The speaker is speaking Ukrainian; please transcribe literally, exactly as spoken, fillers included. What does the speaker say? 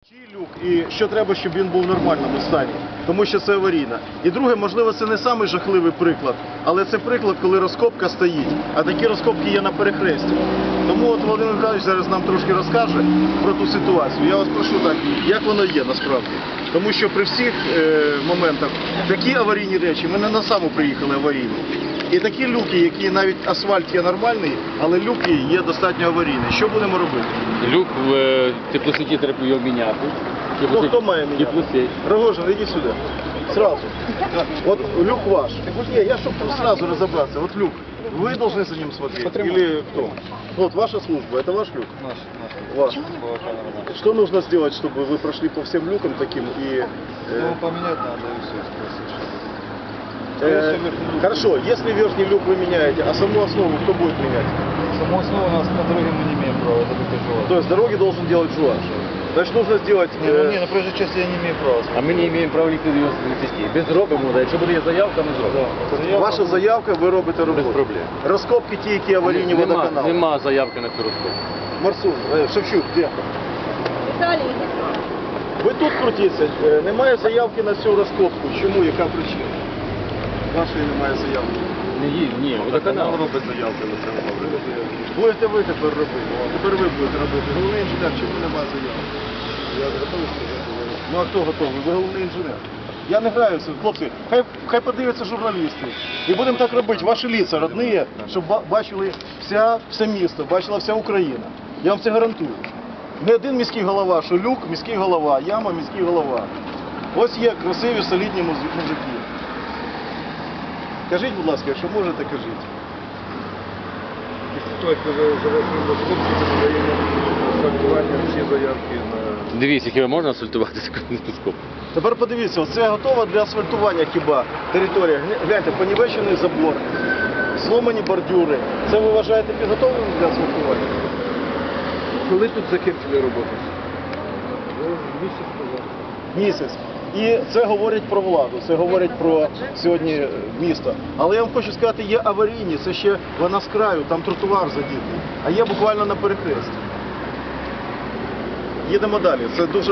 Чий люк і що треба, щоб він був в нормальному стані, тому що це аварійна. І друге, можливо, це не самий жахливий приклад, але це приклад, коли розкопка стоїть, а такі розкопки є на перехресті. Тому от Володимир Михайлович зараз нам трошки розкаже про ту ситуацію. Я вас прошу так, як воно є насправді. Тому що при всіх е, моментах такі аварійні речі, ми не на саму приїхали аварійно. І такі люки, які навіть асфальт є нормальний, але люки є достатньо аварійні. Що будемо робити? Люк в е, теплосеті треба його міняти. Ну, хто має міняти? Теплосеть. Рогожин, иди сюда. Сразу. Вот люк ваш. Не, я чтобы сразу разобраться. Вот люк. Вы должны за ним смотреть? Или кто? Вот ваша служба. Это ваш люк? Наш, наш. Ваш. Что нужно сделать, чтобы вы прошли по всем люкам таким и... э, Ну, поменять надо и все. э, хорошо, если верхний люк вы меняете, а саму основу кто будет менять? Саму основу у нас на дороге мы не имеем права, это только жуа. То есть дороги должен делать жуаш. Значит, нужно сделать... Не, ну, э, не, на проезжей части я не имею права. А ми не маємо права лікти його цисті. Без зробимо, да. Якщо буде заявка, ми зробимо. Заявка. Ваша заявка, ви робите роботу. Без проблем. Розкопки ті, які аварійні Нема, водоканали. нема заявки на цю розкопку. Марсун, э, Шевчук, де? Віталій, Ви тут крутіться. Е, Немає заявки на цю розкопку. Чому? Яка причина? Вашої немає заявки. Не їй, ні, водоканал. робить заявки на це. Будете ви тепер робити. Тепер ви будете робити. Головний інженер, чому немає заявки? Я готовий сказати. Ну а хто готовий? Ви головний інженер. Я не граю в це. Хлопці, хай, хай подивляться журналісти. І будемо так робити. Ваші лица родні, щоб ба- бачили вся, все місто, бачила вся Україна. Я вам це гарантую. Не один міський голова, що люк, міський голова, яма, міський голова. Ось є красиві, солідні музи- мужики. Кажіть, будь ласка, якщо можете, кажіть. Хтось завершив розкопки, це подаємо асфальтування всі заявки на... Дивіться, хіба можна асфальтувати таку розкопку? Тепер подивіться, оце готова для асфальтування хіба територія. Гля- Гляньте, понівечений забор, сломані бордюри. Це ви вважаєте підготовленим для асфальтування? Коли тут закінчили роботу? Місяць. І це говорить про владу, це говорить про сьогодні місто. Але я вам хочу сказати, є аварійні, це ще вона з краю, там тротуар задітий, а є буквально на перехресті. Їдемо далі. Це дуже